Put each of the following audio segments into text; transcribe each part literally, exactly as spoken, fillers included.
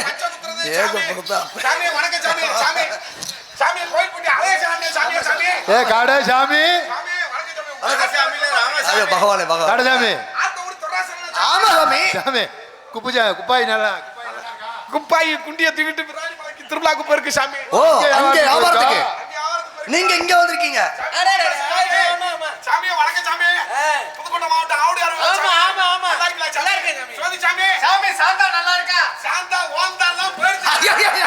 சாமி வணக்கம் சாமி சாமி சாமி கோயில் பண்ணி அலே சாமி சாமி சாமி ஏ காடே சாமி சாமி வணக்கம் சாமி ராமசாமி பகவானே பகவான் காடே சாமி ஆத்த ஊர் தொராசன ஆமா சாமி சாமி குப்புஜா குப்பாய் நல்லா குப்பாய் குண்டிய தூக்கிட்டு பிராணி மலைக்கு திருவிழாக்கு போயிருக்கு சாமி ஓ அங்க வியாபாரத்துக்கு நீங்க இங்க வந்திருக்கீங்க சாமி வணக்கம் சாமி புதுக்கோட்டை மாவட்டம் ஆவுடையார் ஆமா ஆமா ஆமா நல்லா இருக்கீங்களா நல்லா இருக்கேன் சாமி சோதி சாமி சாமி சாந்தா நல்லா இருக்கா சாந்தா ஓந்தாலாம் போயிடுச்சு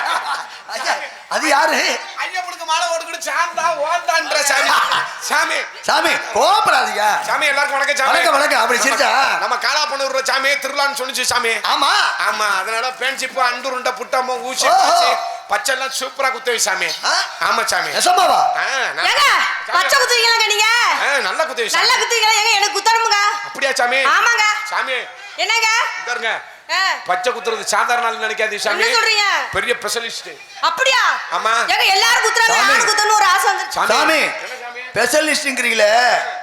அது யாரு ஐயப்பனுக்கு மாலை ஓடுகிட்டு சாந்தா ஓந்தான்ற சாமி சாமி சாமி கோபப்படாதீங்க சாமி எல்லாருக்கும் வணக்கம் சாமி வணக்கம் வணக்கம் அப்படி சிரிச்சா நம்ம காலாப்பண்ணூர் சாமி திருவிழான்னு சொன்னிச்சு சாமி ஆமா ஆமா அதனால பேன்சிப்பு அண்டுருண்ட புட்டமோ ஊசி பச்சை எல்லாம் சூப்பரா குத்துவை சாமி ஆமா சாமி எசமாவா ஏங்க பச்சை குத்துவீங்களாங்க நீங்க நல்ல குத்துவை நல்ல குத்துவீங்களா ஏங்க எனக்கு குத்தறமுங்க அப்படியா சாமி ஆமாங்க சாமி என்னங்க இங்கருங்க பச்சை குத்துறது சாதாரண ஆளு நினைக்காதீங்க சாமி என்ன சொல்றீங்க பெரிய ஸ்பெஷலிஸ்ட் அப்படியா ஆமா ஏங்க எல்லாரும் குத்துறாங்க நான் குத்தணும் ஒரு ஆசை வந்து சாமி ஸ்பெஷலிஸ்ட்ங்கறீங்களே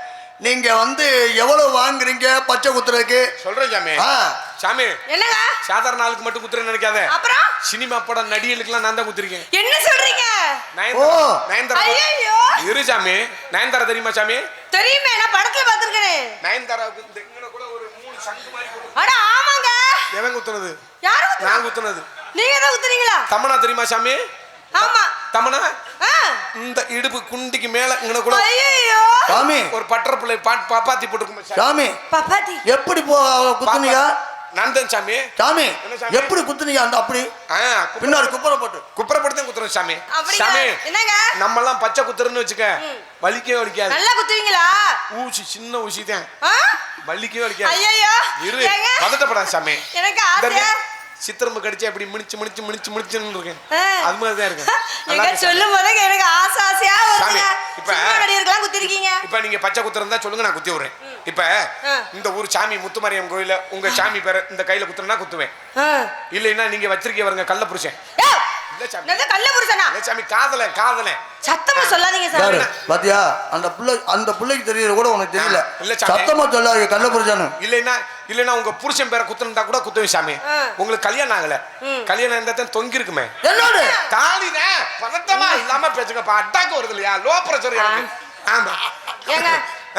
நீங்க வந்து எவ்வளவு வாங்குறீங்க பச்சை குத்துறதுக்கு சொல்றேன் சாமி சாமி என்னங்க சாதாரண ஆளுக்கு மட்டும் குத்துறேன்னு நினைக்காத அப்புறம் சினிமா படம் நடிகளுக்குலாம் நான் தான் குத்துறேன் என்ன சொல்றீங்க நயன்தாரா நயன்தாரா ஐயோ இரு சாமி நயன்தாரா தெரியுமா சாமி தெரியுமே நான் படத்துல பாத்துர்க்கேன் நயன்தாராவுக்கு இந்த இங்கன கூட ஒரு மூணு சங்கு மாதிரி போடு அட ஆமாங்க எவன் குத்துனது யாரு குத்துனா நான் குத்துனது நீங்க தான் குத்துறீங்களா தமனா தெரியுமா சாமி ஆமா தமனா இந்த இடுப்பு குண்டிக்கு மேல இங்கன கூட ஐயோ சாமி ஒரு பட்டர் பிள்ளை பாப்பாத்தி போட்டுருக்கும் சாமி பாப்பாத்தி எப்படி போ குத்துனீங்க நந்தன் சாமி சாமி எப்படி குத்துனீங்க அந்த அப்படி பின்னாடி குப்புற போட்டு குப்புற போட்டு தான் குத்துறோம் சாமி சாமி என்னங்க நம்ம எல்லாம் பச்சை குத்துறன்னு வச்சுக்க வலிக்கவே வலிக்காது நல்லா குத்துவீங்களா ஊசி சின்ன ஊசி தான் வலிக்கவே வலிக்காது ஐயோ இரு பதட்டப்படாத சாமி எனக்கு ஆசையா சித்திரம்பு கடிச்சு அப்படி முடிச்சு முடிச்சு முடிச்சு முடிச்சுன்னு இருக்கேன் அது மாதிரி தான் இருக்கு எங்க சொல்லும் போது எனக்கு ஆசை ஆசையா வருது இப்ப நடிகர்களாம் குத்திருக்கீங்க இப்ப நீங்க பச்சை குத்துறதா சொல்லுங்க நான் குத்தி விடுறேன் இப்ப இந்த ஊர் சாமி முத்துமாரியம் கோயில உங்க சாமி பேர இந்த கையில குத்துறனா குத்துவேன் இல்லைன்னா நீங்க வச்சிருக்கீங்க பாருங்க கள்ள புருஷன் இல்ல சாமி நான் கள்ள புருஷனா இல்ல சாமி காதல காதல சத்தமா சொல்லாதீங்க சாமி பாத்தியா அந்த புள்ள அந்த புள்ளைக்கு தெரியல கூட உனக்கு தெரியல இல்ல சாமி சத்தமா சொல்லாதீங்க கள்ள புருஷன் இல்லைன்னா இல்லைன்னா உங்க புருஷன் பேரை குத்துறதா கூட குத்துவேன் சாமி உங்களுக்கு கல்யாணம் ஆகல கல்யாணம் இருந்தா தான் தொங்கி இருக்குமே என்னோட தாலினே பதட்டமா இல்லாம பேசுங்கப்பா அட்டாக்கு வருது இல்லையா லோ பிரஷர் ஆமா ஏங்க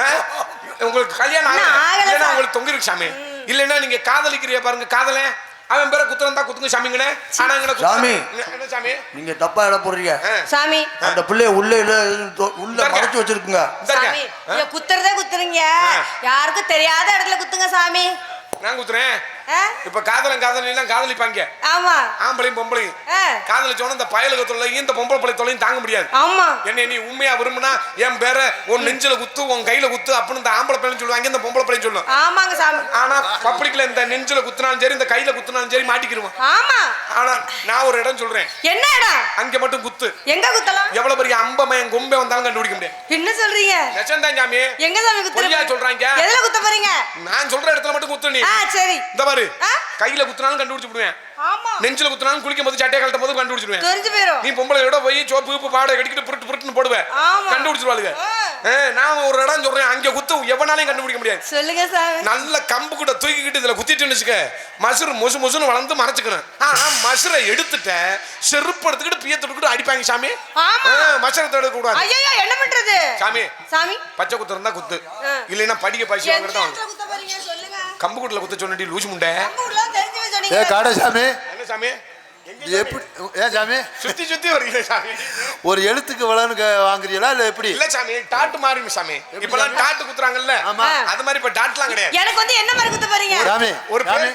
உங்களுக்கு கல்யாணம் ஆகல இல்லைன்னா உங்களுக்கு தொங்கி இருக்கு சாமி இல்லைன்னா நீங்க காதலிக்கிறீங்க பாருங்க காதலே அவன் பேரை குத்துறதா குத்துங்க சாமிங்கனே ஆனா இங்க சாமி என்ன சாமி நீங்க தப்பா இட போறீங்க சாமி அந்த புள்ளைய உள்ள உள்ள மறைச்சு வச்சிருக்குங்க சாமி நீங்க குத்துறதே குத்துறீங்க யாருக்கும் தெரியாத இடத்துல குத்துங்க சாமி நான் குத்துறேன் இப்ப காதலன் காதலாம் காதலிப்பாங்க ஆமா ஆம்பளையும் பொம்பளையும் காதலிச்சோன்னு இந்த பயலுக்கு தொல்லையும் இந்த பொம்பளை பழை தொல்லையும் தாங்க முடியாது ஆமா என்ன நீ உண்மையா விரும்புனா என் பேர உன் நெஞ்சில குத்து உன் கையில குத்து அப்படின்னு இந்த ஆம்பளை பையன் சொல்லுவாங்க இந்த பொம்பளை பையன் சொல்லும் ஆமாங்க சாமி ஆனா பப்ளிக்ல இந்த நெஞ்சில குத்துனாலும் சரி இந்த கையில குத்துனாலும் சரி மாட்டிக்கிருவோம் ஆமா ஆனா நான் ஒரு இடம் சொல்றேன் என்ன இடம் அங்க மட்டும் குத்து எங்க குத்தலாம் எவ்வளவு பெரிய அம்பமயன் கொம்பே வந்தாலும் கண்டுபிடிக்க முடியாது என்ன சொல்றீங்க நெசந்தான் சாமி எங்க சாமி குத்துறீங்க சொல்றாங்க எதுல குத்த போறீங்க நான் சொல்ற இடத்துல மட்டும் குத்து நீ ஆ சரி இந்த பாரு கையில குத்துனாலும் கண்டுபிடிச்சு விடுவேன் ஆமா நெஞ்சில குத்துனாலும் குளிக்கும் போது சட்டையை கழட்டும் போது கண்டுபிடிச்சிடுவேன் தெரிஞ்சு போயிரும் நீ பொம்பளையோட போய் சோப்பு உப்பு பாடை கடிக்கிட்டு புருட்டு புருட்டுன்னு போடுவேன் கண்டுபிடிச்சிருவாளுங்க நான் ஒரு இடம் சொல்றேன் அங்க குத்து எவனாலையும் கண்டுபிடிக்க முடியாது சொல்லுங்க சாமி நல்ல கம்பு கூட தூக்கிக்கிட்டு இதுல குத்திட்டு வச்சுக்க மசுறு மொசு மொசுன்னு வளர்ந்து மறைச்சுக்கணும் ஆனா மசுரை எடுத்துட்ட செருப்பு எடுத்துக்கிட்டு பிய தொட்டுக்கிட்டு அடிப்பாங்க சாமி மசுரை எடுக்க கூடாது ஐயோ என்ன பண்றது சாமி சாமி பச்சை குத்து இருந்தா குத்து இல்லைன்னா படிக்க பசி வாங்குறதா கம்பு கூட்டுல குத்த சொன்னடி லூசு முண்டை ஏ காடை சாமி என்ன சாமி எப்படி ஏன் சாமி சுத்தி சுத்தி வரீங்க சாமி ஒரு எழுத்துக்கு வளன்னு வாங்குறீங்களா இல்ல எப்படி இல்ல சாமி டாட்டு மாறி சாமி இப்பெல்லாம் டாட்டு குத்துறாங்கல்ல அது மாதிரி இப்ப டாட்லாம் கிடையாது எனக்கு வந்து என்ன மாதிரி குத்த போறீங்க சாமி ஒரு பேரு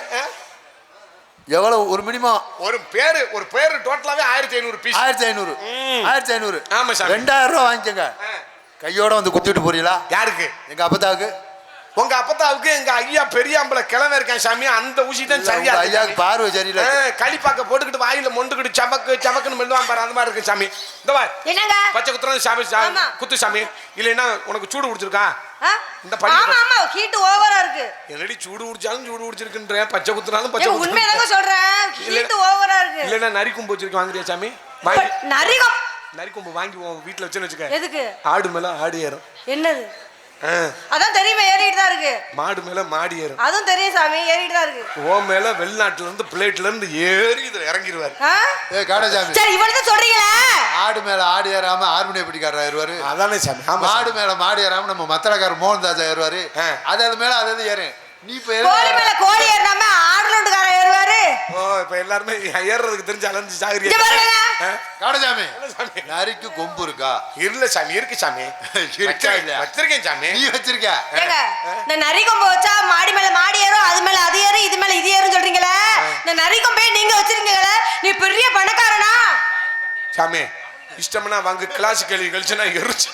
எவ்வளவு ஒரு மினிமம் ஒரு பேரு ஒரு பேரு டோட்டலாவே ஆயிரத்தி ஐநூறு பீஸ் ஆயிரத்தி ஐநூறு ஆயிரத்தி ஐநூறு ஆமா சாமி ரெண்டாயிரம் ரூபாய் வாங்கிக்கோங்க கையோட வந்து குத்திட்டு போறீங்களா யாருக்கு எங்க அப்பதாவுக்கு உங்க அப்பத்தாவுக்கு எங்க ஐயா பெரியாம்பளை கிழமை இருக்கேன் சாமி அந்த ஊசி தான் சரியா ஐயாக்கு பார்வை சரியில்லை களிப்பாக்க போட்டுக்கிட்டு வாயில மொண்டுக்கிட்டு சமக்கு சமக்குன்னு மெல்லுவான் பாரு அந்த மாதிரி இருக்கு சாமி இந்த பாரு என்னங்க பச்சை குத்துறது சாமி குத்து சாமி இல்லைன்னா உனக்கு சூடு பிடிச்சிருக்கா இந்த படி ஆமா ஆமா ஹீட் ஓவரா இருக்கு என்னடி சூடு பிடிச்சாலும் சூடு பிடிச்சிருக்குன்ற பச்சை குத்துனாலும் பச்சை குத்து உண்மையாதாங்க சொல்றேன் ஹீட் ஓவரா இருக்கு இல்லைன்னா நரிக்கும்பு வச்சிருக்க வாங்குறியா சாமி நரிகம் நரிக்கும்பு வாங்கி வீட்டுல வச்சுன்னு வச்சுக்க எதுக்கு ஆடு மேல ஆடு ஏறும் என்னது அதான் தெரியுமே ஏறிட்டு தான் இருக்கு. மாடு மேல மாடி ஏறும். அதுவும் தெரியும் சாமி, ஏறிட்டு தான் இருக்கு. ஓ மேல வெளிநாட்டுல இருந்து பிளேட்ல இருந்து ஏறி இதுல இறங்கிடுவாரு. ஏய் காடசாமி, சரி இவ்வளவு சொல்றீங்களா? ஆடு மேல ஆடு ஏறாம ஹார்மோனியம் பிடிக்காரா ஏறுவாரு. அதானே சாமி. ஆமா, மாடு மேல மாடு ஏறாம நம்ம மத்தளக்கார மோகன் தாஜா ஏறுவாரு. அது அது மேல அது ஏறு. நீ இப்ப கோழி மேல கோழி ஏறாம ஆடுலோட்டுக்கார ஏறுவாரு. ஓ இப்ப எல்லாரும் ஏறுறதுக்கு தெரிஞ்சு அலைஞ்சு சாகுறீங்க. இங்க பாருங்க காடசாமி, நரிக்கு கொம்பு இருக்கா? இல்ல சாமி, இருக்கு சாமி. வச்சிருக்கேன் சாமி. நீ வச்சிருக்க? ஏங்க இந்த நரி கொம்பு வச்சா மாடி மேல மாடி ஏறும், அது மேல அது ஏறும், இது மேல இது ஏறும் சொல்றீங்களே, இந்த நரி கொம்பே நீங்க வச்சிருக்கீங்களே, நீ பெரிய பணக்காரனா? சாமி இஷ்டம்னா வாங்க கிளாஸ் கேள்வி கழிச்சுனா எரிச்சு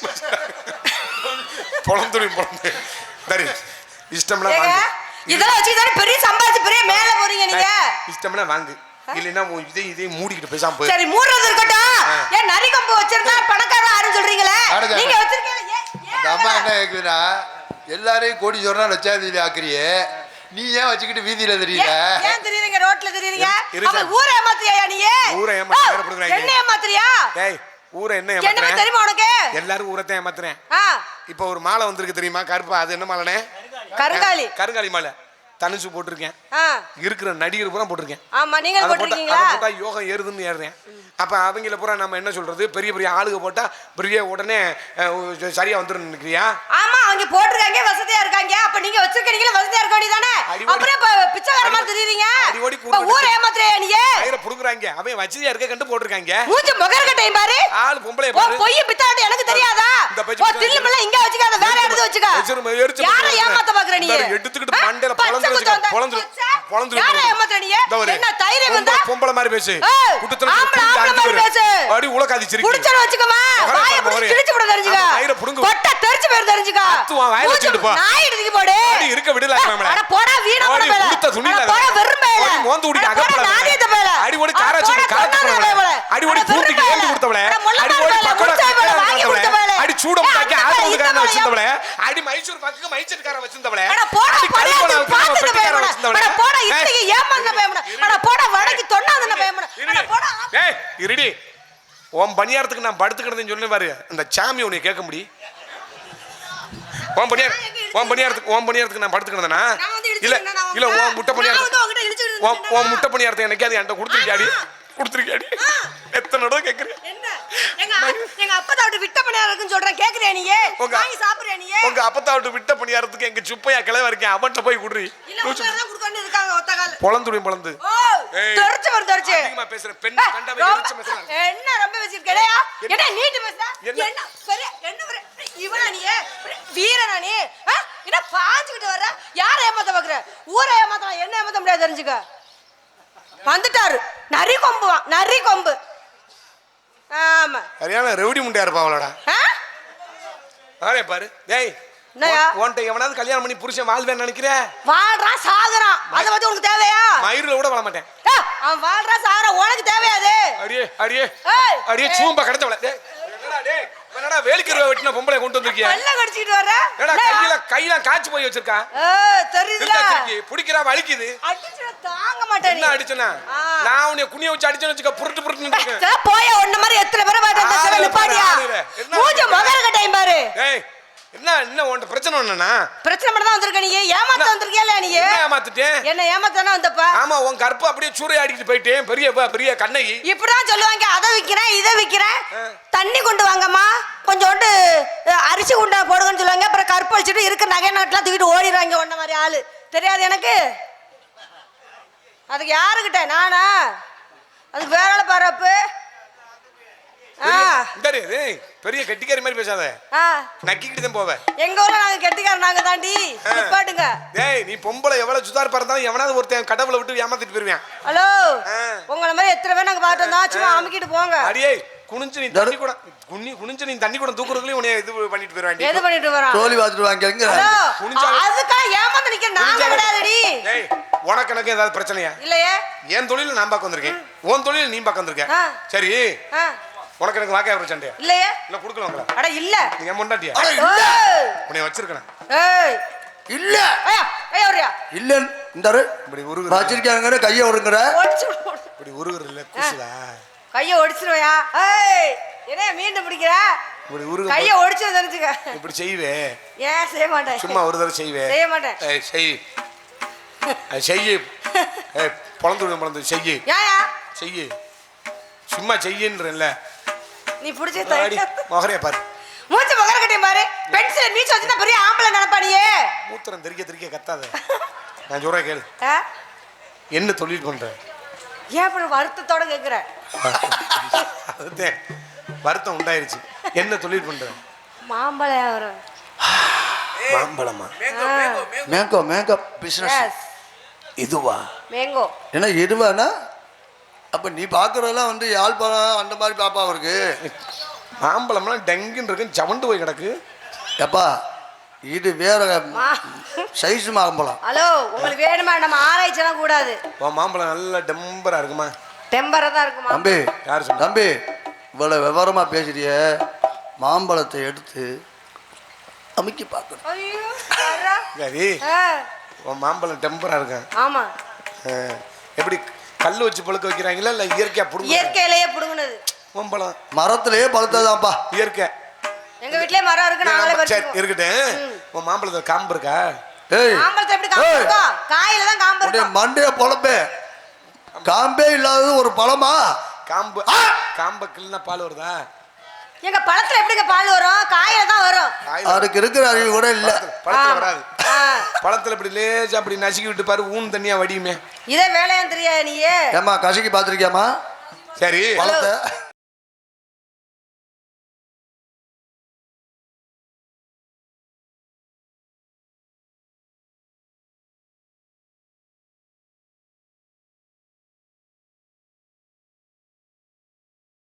பொழந்துடும் பொழந்து சரி. இஷ்டம்னா வாங்க. இதெல்லாம் வச்சு தானே பெரிய சம்பாதிச்சு பெரிய மேல போறீங்க நீங்க. இஷ்டம்னா வாங்கு, இல்லைன்னா இதே இதே மூடிக்கிட்டு பேசாம போய். சரி மூடுறது இருக்கட்டும். ஏன் நரி கொம்பு வச்சிருந்தா பணக்காரன் ஆறு சொல்றீங்களே, நீங்க வச்சிருக்கீங்க. அந்த அம்மா என்ன கேக்குதுன்னா, எல்லாரையும் கோடி சொன்னா லட்சாதிபதி ஆக்குறியே, நீ ஏன் வச்சுக்கிட்டு வீதியில தெரியல? ஏன் தெரியறீங்க? ரோட்ல தெரியறீங்க. அப்ப ஊரை ஏமாத்துறியா நீ? ஊரை ஏமாத்துறீங்க. என்ன ஏமாத்துறியா? டேய் ஊரை என்ன என்ன ஏமாத்துறேன் தெரியுமா உனக்கு? எல்லாரும் ஊரை தான் ஏமாத்துறேன். இப்போ ஒரு மாலை வந்திருக்கு தெரியுமா, கருப்பா, அது என்ன மாலைனே? கருங்காலி. கருங்காலி மாலை தனுசு போட்டிருக்கேன். இருக்கிற நடிகர் பூரா போட்டிருக்கேன். ஆமா நீங்க போட்டிருக்கீங்களா? அதை போட்டா யோகம் ஏறுதுன்னு ஏறுறேன். அப்ப அவங்கள பூரா நம்ம என்ன சொல்றது, பெரிய பெரிய ஆளுக போட்டா பெரிய உடனே சரியா வந்துரும் நினைக்கிறியா? ஆமா அவங்க போட்டிருக்காங்க, வசதியா இருக்காங்க. அப்ப நீங்க வச்சிருக்கீங்களா, வசதியா இருக்க வேண்டியதானே? அப்புறம் இப்ப பிச்சைக்கார மாதிரி தெரியுறீங்க. இப்ப ஊரை ஏமாத்துறியா நீ? கயிற புடுங்குறாங்க. அவன் வசதியா இருக்க கண்டு போட்டிருக்காங்க. மூஞ்சி முகர்கட்டையும் பாரு. ஆளு பொம்பளை பாரு. ஓ பொய் பித்தாட்டி எனக்கு தெரியாதா? ஓ தில்லுமல்ல இங்க வச்சுக்காத, வேற இடத்துல வச்சுக்க. யாரை ஏமாத்த பாக்குற நீ? எடுத்துக்கிட்டு மண்டையில பொளந்து வச்சுக்க. பொளந்து பொளந்து யாரை ஏமாத்துற நீ? என்ன தைரியம் வந்தா பொம்பளை மாதிரி பேசு. குட்டத்துல பேசு. அடி உலகாதி சிரிக்கு. புடிச்சற வச்சுக்கமா. வாயை புடிச்சு கிழிச்சு போட தெரிஞ்சுக்க. கயிற புடுங்கு. கொட்ட தெரிஞ்சு பேர் தெரிஞ்சுக்க. அத்துவா வாயில வச்சிட்டு போ. நாய் எடுத்துக்கு போடு. அடி இருக்க விடலாமா மேல. அட போடா வீணா போட மேல. குடுத்த துணில. போடா வெறுமையில. அடி மோந்து உடிக்க அகப்பட. நாடியத மேல. அடி ஓடி காராச்சி காத்துறவள. அடி ஓடி பூட்டிக்கு ஏந்து கொடுத்தவள. அடி ஓடி பக்கோடா வாங்கி கொடுத்தவள. அடி சூடம் தாக்கி ஆத்துக்காரன வச்சிருந்தவள. அடி மைசூர் பாக்குக்கு மைசூர்கார வச்சிருந்தவள. அட போடா படையா பாத்துட்டு பேமட. அட போடா இட்லிக்கு ஏமாந்த பேமட. அட போடா வடக்கு தொண்ணாதன பேமட. அட போடா. ஏய் இருடி. ஓம் பணியாரத்துக்கு நான் படுத்துக்கிறதுன்னு சொன்னே பாரு. அந்த சாமி உன்னை கேட்க முடி. ஓம் பணியார ஓம் பணியாரத்துக்கு ஓம் பணியாரத்துக்கு நான் படுத்துக்கிறதுனா இல்ல இல்ல ஓம் முட்டை பணியாரத்துக்கு ஓம் ஓம் முட்டை பணியாரத்தை எனக்கு அது என்கிட்ட கொடுத்துருக்கியாடி கொடுத்துருக்கியாடி எத்தனை தடவை கேட்குறேன். எங்க எங்க அப்பத்தா விட்டு விட்ட பணியாரத்துக்கு சொல்றேன், கேக்குறியா நீ? வாங்கி சாப்பிடுறியா நீ? உங்க அப்பத்தா விட்டு விட்ட பணியாரத்துக்கு எங்க சுப்பையா கிளவ இருக்கேன், அவன்கிட்ட போய் குடுறி. இல்ல உங்க தான் குடுக்கணும் இருக்காங்க ஒத்த கால். பொளந்துடி பொளந்து. ஓ தெரிச்சு வர தெரிச்சு. அதிகமா பேசுற பெண் கண்டவே எரிச்ச பேசுற. என்ன ரொம்ப பேசிருக்கேடா? என்ன நீட்டு பேசுற? என்ன பெரிய என்ன இவனா நீ? வீரனா நீ? என்ன பாஞ்சிட்டு வர? யார ஏமாத்த பாக்குற? ஊரை ஏமாத்த என்ன ஏமாத்த முடியாது தெரிஞ்சுக்க. வந்துட்டாரு நரி கொம்பு, நரி கொம்பு. ஆமா சரியான ரெவடி முண்டையா இருப்பா அவளோட. ஆரே பாரு. டேய் என்னயா உன்ட்ட எவனாவது கல்யாணம் பண்ணி புருஷன் வாழ்வேன்னு நினைக்கிற? வாழ்றான் சாகுறான், அத பத்தி உனக்கு தேவையா? மயிரில கூட வாழ மாட்டேன். அவன் வாழ்றான் சாகுறான், உனக்கு தேவையா அது? அடியே அடியே அடியே சூம்பா கடந்தவள. டேய் என்னடா டேய் என்னடா வேலிக்கருவ வெட்டின பொம்பளை கொண்டு வந்திருக்கியா? பல்ல கடிச்சிட்டு வர. என்னடா கையில கையில காச்சி போய் வச்சிருக்கா? ஏ தெரியுதுல புடிக்கிறா வலிக்குது. அடிச்சற தாங்க மாட்டே நீ. என்ன அடிச்சனா? நான் உன்னை குனிய வச்சு அடிச்சேன்னு வச்சுக்க புருட்டு புருட்டுன்னு இருக்கேன். சே போய் ஒண்ணு மாதிரி எத்தனை பேரை பாத்து அந்த செவ நிப்பாடியா? மூஞ்ச மகர கட்டையும் பாரு. டேய் என்ன என்ன உன்ட பிரச்சனை என்னன்னா? பிரச்சனை மட்டும் தான் வந்திருக்க நீ. ஏமாத்த வந்திருக்கியா இல்ல நீ? என்ன ஏமாத்திட்டே? என்ன ஏமாத்தனா வந்தப்ப? ஆமா உன் கற்பு அப்படியே சூறை அடிக்கிட்டு போயிட்டேன். பெரிய பெரிய கண்ணகி. இப்படிதான் சொல்லுவாங்க. அத விக்கிறேன் இத விக்கிறேன். தண்ணி கொண்டு வாங்கம்மா, கொஞ்சோண்டு அரிசி குண்டா போடுங்கன்னு சொல்லுவாங்க. அப்புறம் கற்பு வச்சுட்டு இருக்க நகை நாட்டெல்லாம் தூக்கிட்டு ஓடிடுவாங்க. ஒன்ன மாதிரி ஆளு தெரியாது எனக்கு. அதுக்கு யாருக்கிட்ட நானா? அதுக்கு வேற ஆள பாரப்பு. பெரிய கெட்டிக்காரி மாதிரி பேசாத. நக்கிக்கிட்டு தான் போவேன். எங்க ஊர்ல நாங்க கெட்டிக்கார நாங்க தாண்டி. நிப்பாட்டுங்க. டேய் நீ பொம்பளை எவ்வளவு சுதார் பறந்தாலும் எவனாவது ஒருத்தன் கடவுளை விட்டு ஏமாத்திட்டு போயிருவேன். ஹலோ உங்கள மாதிரி எத்தனை பேர் நாங்க பாத்து வந்தா சும்மா அமுக்கிட்டு போங்க. அடியே குனிஞ்சு நீ தண்ணி கூட குனி குனிஞ்சு நீ தண்ணி கூட தூக்குறதுலயே உன்னை இது பண்ணிட்டு போறாங்க. எது பண்ணிட்டு வரான்? சோலி வாத்துட்டு வாங்கங்க. அதுக்கா ஏமாந்து நிக்க நாங்க விடாதடி. டேய் உனக்கு எனக்கு ஏதாவது பிரச்சனையா? இல்லையே. என் தொழில நான் பார்க்க வந்திருக்கேன், உன் தொழில நீ பார்க்க வந்திருக்க. சரி உனக்கு எனக்கு வாக்கே பிரச்சனை இல்லையே. இல்ல குடுக்கலாம்ல? அட இல்ல. நீ முண்டாட்டியா? அட இல்ல. உன்னை வச்சிருக்கேன். ஏய் இல்ல. ஐயா ஐயா ஒரியா. இல்ல இந்தாரு இப்படி உருகுற. வச்சிருக்காங்கற கைய ஒடுங்கற. ஒடிச்சு இப்படி உருகுற இல்ல குசுடா. கைய ஒடிச்சிருவையா? ஏய் என்ன மீண்டும் பிடிக்கிற? இப்படி உருகு. கைய ஒடிச்சு தெரிஞ்சுக்க. இப்படி செய்வே. ஏன் செய்ய மாட்டேன் சும்மா ஒரு தடவை செய்வேன் செய்ய மாட்டேன் ஏய் செய் அது செய்யு ஏய் பொழந்து பொழந்து செய்யு ஏயா செய்யு சும்மா செய்யுன்றல நீ புடிச்ச மொகரைய பாரு மூச்சு மகர கட்டியும் பாரு பென்சில் மீச்சு வச்சுனா பெரிய ஆம்பளை நினைப்பா நீ மூத்திரம் தெறிக்க தெறிக்க கத்தாத நான் சொல்றேன் கேளு ஆ? என்ன தொழில் பண்ற ஏன் அப்புறம் வருத்தத்தோட கேக்குற அதுதான் வருத்தம் உண்டாயிருச்சு என்ன தொழில் பண்ற மாம்பழ வியாபாரம் மாம்பழமா மேங்கோ மேங்கோ பிசினஸ் எஸ் இதுவா மேங்கோ ஏன்னா எதுவானா அப்ப நீ பாக்குறதெல்லாம் வந்து யாழ்ப்பாணம் அந்த மாதிரி பாப்பா இருக்கு மாம்பழம்லாம் டங்குன்னு இருக்கு ஜவண்டு போய் கிடக்கு எப்பா இது வேற சைஸ் மாம்பழம் ஹலோ உங்களுக்கு வேணுமா நம்ம ஆராய்ச்சிலாம் கூடாது உன் மாம்பழம் நல்லா டெம்பரா இருக்குமா டெம்பரா தான் இருக்குமா தம்பி யார் சொன்னா? தம்பி இவ்வளவு விவரமா பேசுறிய மாம்பழத்தை எடுத்து அமுக்கி பார்க்கணும் ஐயோ யாரா? சரி ஆ, உன் மாம்பழம் டெம்பரா இருக்கா ஆமா எப்படி கல் வச்சு பழுக்க வைக்கிறாங்களா இல்ல இயற்கையா புடுங்க இயற்கையிலேயே புடுங்குனது மாம்பழம் மரத்திலேயே பழுத்ததான்ப்பா இயற்கை எங்க வீட்லயே மரம் இருக்கு நாங்களே சரி பறிச்சுக்குவோம் இருக்கட்டும் உன் மாம்பழத்துல காம்பு இருக்கா ஏய் மாம்பழத்தை எப்படி காம்பு ஏய். இருக்கும் காயில தான் காம்பு உன்னுடைய இருக்கும் மண்டைய பொழப்பே காம்பே இல்லாதது ஒரு பழமா காம்பு காம்பை கிள்னா பால் வருதா எங்க பழத்துல எப்படிங்க பால் வரும் காயில தான் வரும் காயில அதுக்கு இருக்கிற அறிவு கூட இல்ல பழத்துல ஆமா. வராது ஆ, பழத்துல இப்படி லேசா அப்படி நசுக்கி விட்டு பாரு ஊன் தண்ணியா வடியுமே இதே வேலையான்னு தெரியாது நீயே ஏமா கசக்கி பாத்திருக்கியாமா சரி பழத்தை